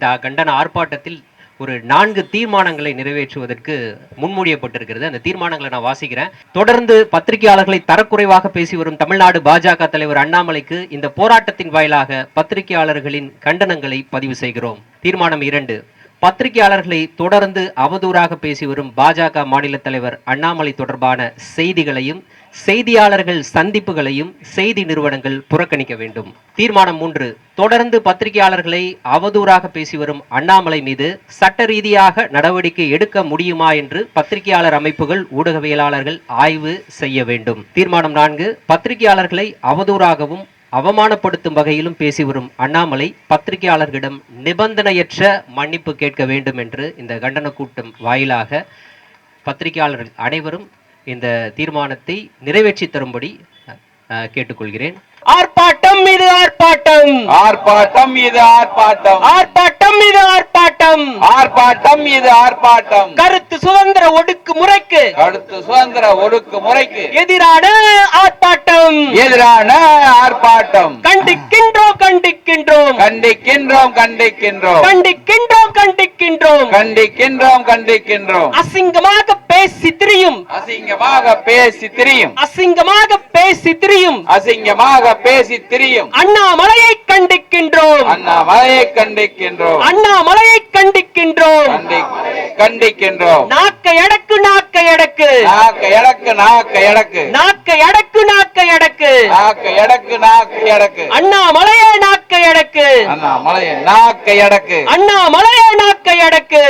இந்த கண்டன ஆர்ப்பாட்டத்தில் ஒரு 4 தீர்மானங்களை நிறைவேற்றுவதற்கு முன்மொழியப்பட்டிருக்கிறது. அந்த தீர்மானங்களை நான் வாசிக்கிறேன். தொடர்ந்து பத்திரிகையாளர்களை தரக்குறைவாக பேசி வரும் தமிழ்நாடு பாஜக தலைவர் அண்ணாமலைக்கு இந்த போராட்டத்தின் வாயிலாக பத்திரிகையாளர்களின் கண்டனங்களை பதிவு செய்கிறோம். தீர்மானம் 2, பத்திரிகையாளர்களை தொடர்ந்து அவதூறாக பேசி வரும் பாஜக மாநில தலைவர் அண்ணாமலை தொடர்பான செய்திகளையும் செய்தியாளர்கள் சந்திப்புகளையும் செய்தி நிறுவனங்கள் புறக்கணிக்க வேண்டும். தீர்மானம் 3, தொடர்ந்து பத்திரிகையாளர்களை அவதூறாக பேசி வரும் அண்ணாமலை மீது சட்ட ரீதியாக நடவடிக்கை எடுக்க முடியுமா என்று பத்திரிகையாளர் அமைப்புகள் ஊடகவியலாளர்கள் ஆய்வு செய்ய வேண்டும். தீர்மானம் 4, பத்திரிகையாளர்களை அவதூறாகவும் அவமானப்படுத்தும் வகையிலும் பேசி வரும் அண்ணாமலை பத்திரிகையாளர்களிடம் நிபந்தனையற்ற மன்னிப்பு கேட்க வேண்டும் என்று இந்த கண்டன கூட்டம் வாயிலாக பத்திரிகையாளர்கள் அனைவரும் இந்த தீர்மானத்தை நிறைவேற்றி தரும்படி கேட்டுக்கொள்கிறேன். ஆர்ப்பாட்டம் மீது ஆர்ப்பாட்டம், ஆர்ப்பாட்டம் மீது ஆர்ப்பாட்டம், ஆர்ப்பாட்டம் மீது ஆர்ப்பாட்டம், ஆர்ப்பாட்டம் மீது ஆர்ப்பாட்டம். கருத்து சுதந்திர ஒடுக்குமுறைக்கு, கருத்து சுதந்திர ஒடுக்குமுறைக்கு எதிரான ஆர்ப்பாட்டம், எதிரான ஆர்ப்பாட்டம். கண்டிக்கின்றோம் கண்டிக்கின்றோம் கண்டிக்கின்றோம் கண்டிக்கின்றோம் கண்டிக்கின்றோம் கண்டிக்கின்றோம் கண்டிக்கின்றோம் கண்டிக்கின்றோம். அசிங்கமாக பேசி திரியும், அசிங்கமாக பேசி திரியும், அசிங்கமாக பேசி திரியும், அசிங்கமாக பேசி திரியும் அண்ணாமலையை கண்டிக்கின்றோம், அண்ணாமலையை கண்டிக்கின்றோம், அண்ணாமலையை கண்டிக்கின்றோம், கண்டிக்கின்றோம். நாக்கை அடக்கு, நாக்கை அடக்கு, நாக்கை அடக்கு, நாக்கை அடக்கு, நாக்கை அடக்கு, நாக்கை அடக்கு, நாக்கை அடக்கு, நாக்கை அடக்கு. அண்ணாமலையே நாக்கை அடக்கு, அண்ணாமலையை நாக்கை அடக்கு, அண்ணாமலையே நாக்கை அடக்கு,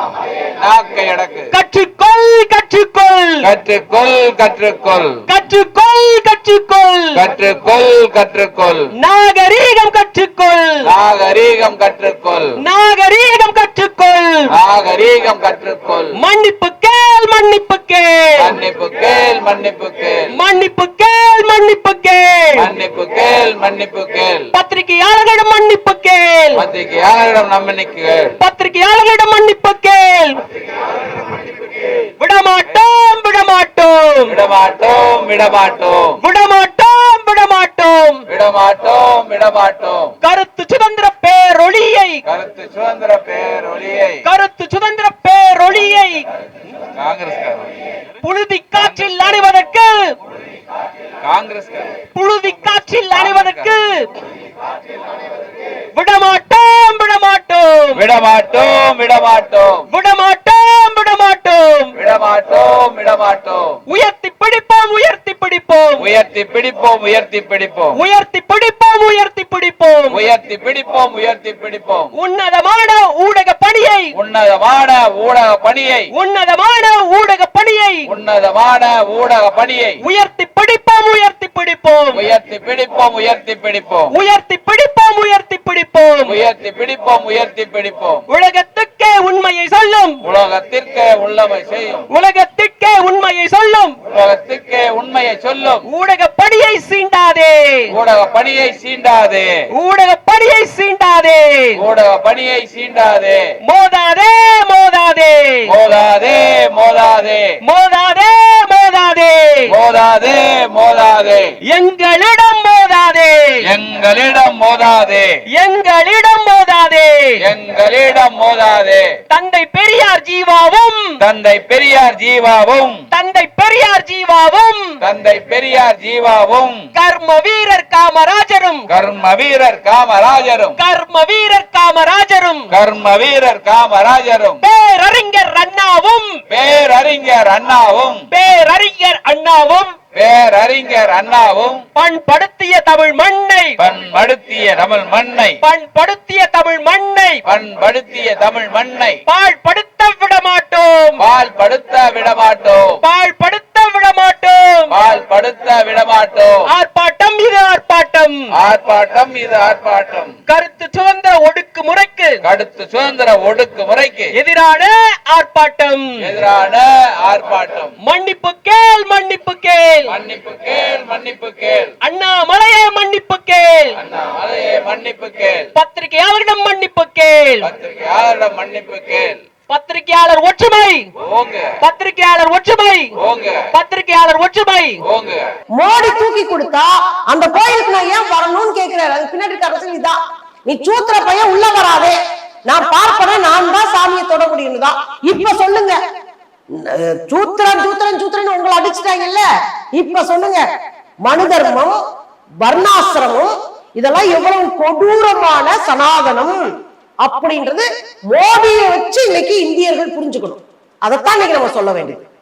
நாக்கை அடக்கு. கற்றுக்கொள் கற்றுக்கொள் கற்றுக்கொள் கற்றுக்கொள் கற்றுக்கொள் கற்றுக்கொள் கற்றுக்கொள் கற்றுக்கொள். நாகரீகம் கற்றுக்கொள், நாகரீகம் கற்றுக்கொள், நாகரீகம் கற்றுக்கொள், நாகரீகம் கற்றுக்கொள். மன்னிப்பு கேள், மன்னிப்பு கேள், மன்னிப்பு கேள், மன்னிப்பு கேள், மன்னிப்பு கேள், மன்னிப்பு கேள், மன்னிப்பு கேள், மன்னிப்பு கேள். பத்திரிகையாளர்களிடம் மன்னிப்பு கேள், பத்திரிகையாளரிடம் நம்பிக்கை கேள், பத்திரிகையாளர்களிடம் மன்னிப்பு கேள். விடமாட்டோம் விடமாட்டோம் விடமாட்டோம் விடமாட்டோம் விடமாட்டோம் விடமாட்டோம் விடமாட்டோம் விடமாட்டோம். கருத்து சுதந்திர பேரொளியை, கருத்து சுதந்திர பேரொளியை, கருத்து சுதந்திர பேரொளியை காங்கிரஸ் புழுதி காற்றில் அணிவதற்கு, காங்கிரஸ் புழுதி காற்றில் அணிவதற்கு விடமாட்டோம் விடமாட்டோம் விடமாட்டோம் விடமாட்டோம் விடமாட்டோம் விடமாட்டோம் விடமாட்டோம் விடமாட்டோம். உயர்த்தி பிடிப்போம், உயர்த்தி பிடிப்போம், உயர்த்தி பிடிப்போம், உயர்த்தி பிடிப்போம், உயர்த்தி பிடிப்போம், உயர்த்தி பிடிப்போம், உயர்த்தி பிடிப்போம், உயர்த்தி பிடிப்போம். உன்னதமான ஊடக பணியை, உன்னதமான ஊடக பணியை, உன்னதமான ஊடக பணியை, உன்னதமான ஊடக பணியை உயர்த்தி பிடிப்போம், உயர்த்தி பிடிப்போம், உயர்த்தி பிடிப்போம், உயர்த்தி பிடிப்போம், உயர்த்தி பிடிப்போம், உயர்த்தி பிடிப்போம், உயர்த்தி பிடிப்போம், உயர்த்தி பிடிப்போம். உலகத்துக்கே உண்மையை சொல்லும், உலகத்திற்கே உள்ளமை செய்யும், உலகத்திற்கே உண்மையை சொல்லும், உலகத்திற்கே உண்மையை சொல்லும். ஊடக பணியை சீண்டாதே, ஊடக பணியை சீண்டாதே, ஊடக பணியை சீண்டாதே, ஊடக பணியை சீண்டாதே. மோதாதே மோதாதே மோதாதே மோதாதே மோதாதே மோதாதே மோதாதே மோதாதே. எங்களிடம் மோதாதே, எங்களிடம் மோதாதே, எங்களிடம் மோதாதே, எங்களிடம் மோதாதே. தந்தை பெரியார் ஜீவாவும், தந்தை பெரியார் ஜீவாவும், தந்தை பெரியார் ஜீவாவும், தந்தை பெரியார் ஜீவாவும், கர்ம வீரர் காமராஜரும், கர்ம வீரர் காமராஜரும், கர்ம வீரர் காமராஜரும், கர்ம வீரர் காமராஜரும், பேரறிஞர் அண்ணாவும், பேரறிஞர் அண்ணாவும், பேரறிஞர் அண்ணாவும், பேரறிஞர் அண்ணாவும் பண்படுத்திய தமிழ் மண்ணை, பண்படுத்திய தமிழ் மண்ணை, பண்படுத்திய தமிழ் மண்ணை பண்படுத்திய தமிழ் மண்ணை பாழ்படுத்த விடமாட்டோம், பால்படுத்த விடமாட்டோம், பாழ்படுத்த விடமாட்டோம். பால்படுத்த விடமாட்டோம். ஆர்ப்பாட்டம் இது ஆர்ப்பாட்டம், ஆர்ப்பாட்டம் இது ஆர்ப்பாட்டம். கருத்து சுதந்திர ஒடுக்குமுறைக்கு, கருத்து சுதந்திர ஒடுக்குமுறைக்கு எதிரான ஆர்ப்பாட்டம், எதிரான ஆர்ப்பாட்டம். மன்னிப்பு கேள், மன்னிப்பு கேள், மன்னிப்பு கேள், மன்னிப்பு கேள், அண்ணாமலையே மன்னிப்பு கேள், அண்ணாமலையே மன்னிப்பு கேள், பத்திரிகையாளரிடம் மன்னிப்பு கேள், பத்திரிகையாளரிடம் மன்னிப்பு கேள். பத்திரிகையாளர் ஒற்றுமை, போங்க பத்திரிகையாளர் ஒற்றுமை, போங்க பத்திரிகையாளர் ஒற்றுமை. போங்க. மோடி தூக்கி கொடுத்தா அந்த கோயிலுக்கு நான் ஏன் வரணும்னு கேக்குறாரு. அது பின்னாடி அரசியல் இதான். நீ சூத்திர பையன் உள்ள வராதே, நான் பார்ப்பேன், நான் தான் சாமியை தொட முடியும் தான். இப்ப சொல்லுங்க, சூத்திரன் சூத்திரன் சூத்திரன் உங்களை அடிச்சுட்டாங்கல்ல, இப்ப சொல்லுங்க மனு தர்மம், வர்ணாசிரமம் இதெல்லாம் எவ்வளவு கொடூரமான சனாதனம் அப்படின்றது மோடியை வச்சு இன்னைக்கு இந்தியர்கள் புரிஞ்சுக்கணும். அதைத்தான் இன்னைக்கு நம்ம சொல்ல வேண்டியது.